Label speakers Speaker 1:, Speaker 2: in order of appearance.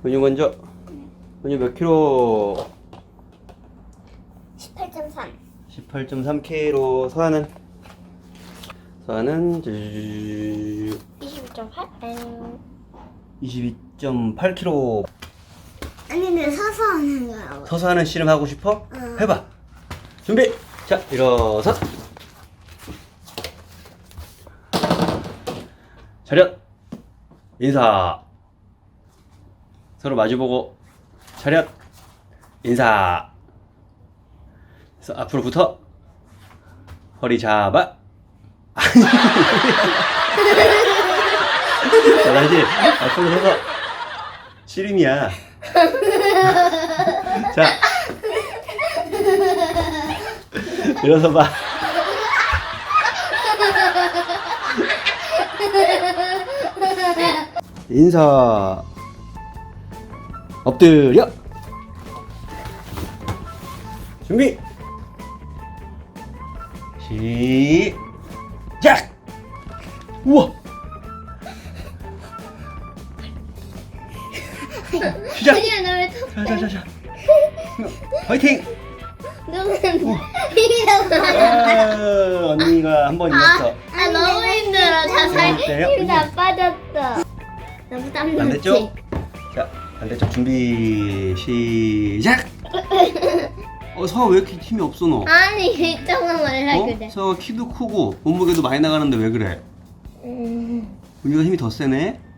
Speaker 1: 은유 먼저. 은유 몇 킬로?
Speaker 2: 18.3.
Speaker 1: 18.3kg. 서아는? 서아는
Speaker 2: 22.8?
Speaker 1: 22.8kg.
Speaker 2: 아니 근데 서서 하는 거야.
Speaker 1: 서서 하는 씨름 하고 싶어?
Speaker 2: 응.
Speaker 1: 해봐. 준비. 자, 일어서. 차렷. 인사. 서로 마주보고. 차렷. 인사. 그래서 앞으로 붙어. 허리 잡아. 자, 다시 앞으로 서서. 씨름이야. 자. 일어서 봐. 인사. 엎드려. 준비. 시작. 우와. 시작.
Speaker 2: 아니야 나 왜
Speaker 1: 자자자자. 화이팅.
Speaker 2: 너는 힘들어.
Speaker 1: 언니가 한 번 이겼어.
Speaker 2: 아 너무 힘들어. 자살
Speaker 1: 어때요?
Speaker 2: 힘다 빠졌어. 너무 땀
Speaker 1: 반대쪽. 자, 반대쪽 준비 시작. 서아 왜 이렇게 힘이 없어 너?
Speaker 2: 아니 이쪽은 원래 그래.
Speaker 1: 서아 키도 크고 몸무게도 많이 나가는데 왜 그래? 은유가 힘이 더 세네.